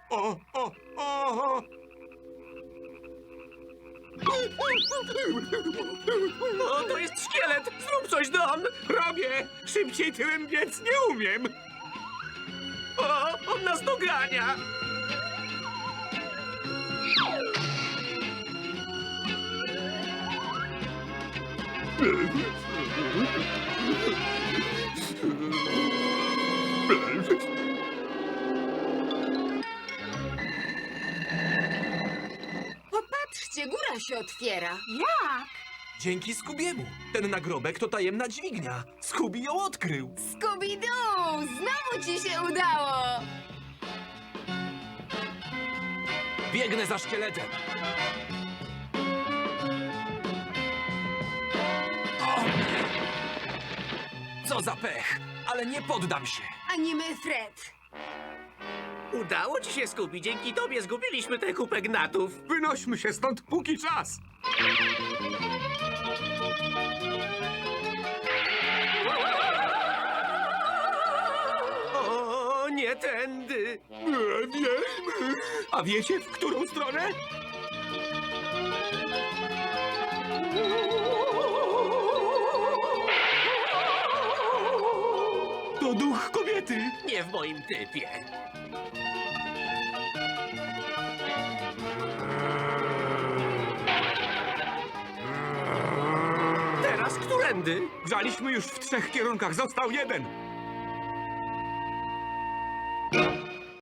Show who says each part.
Speaker 1: O, o, o!
Speaker 2: O, to jest szkielet! Zrób coś, Don!
Speaker 1: Robię! Szybciej tyłem biec nie umiem!
Speaker 2: O, on nas dogania!
Speaker 3: Popatrzcie, góra się otwiera.
Speaker 4: Jak?
Speaker 2: Dzięki Skubiemu. Ten nagrobek to tajemna dźwignia. Skubi ją odkrył.
Speaker 3: Scooby-Doo! Znowu ci się udało!
Speaker 2: Biegnę za szkieletem. O! Co za pech, ale nie poddam się.
Speaker 3: Ani my, Fred.
Speaker 2: Udało ci się, Skubi. Dzięki tobie zgubiliśmy tę kupę gnatów.
Speaker 1: Wynośmy się stąd, póki czas!
Speaker 2: O, nie tędy.
Speaker 1: Wiemy! A wiecie, w którą stronę? To duch kobiety!
Speaker 2: Nie w moim typie. Teraz którędy?
Speaker 1: Grzaliśmy już w 3 kierunkach, został jeden!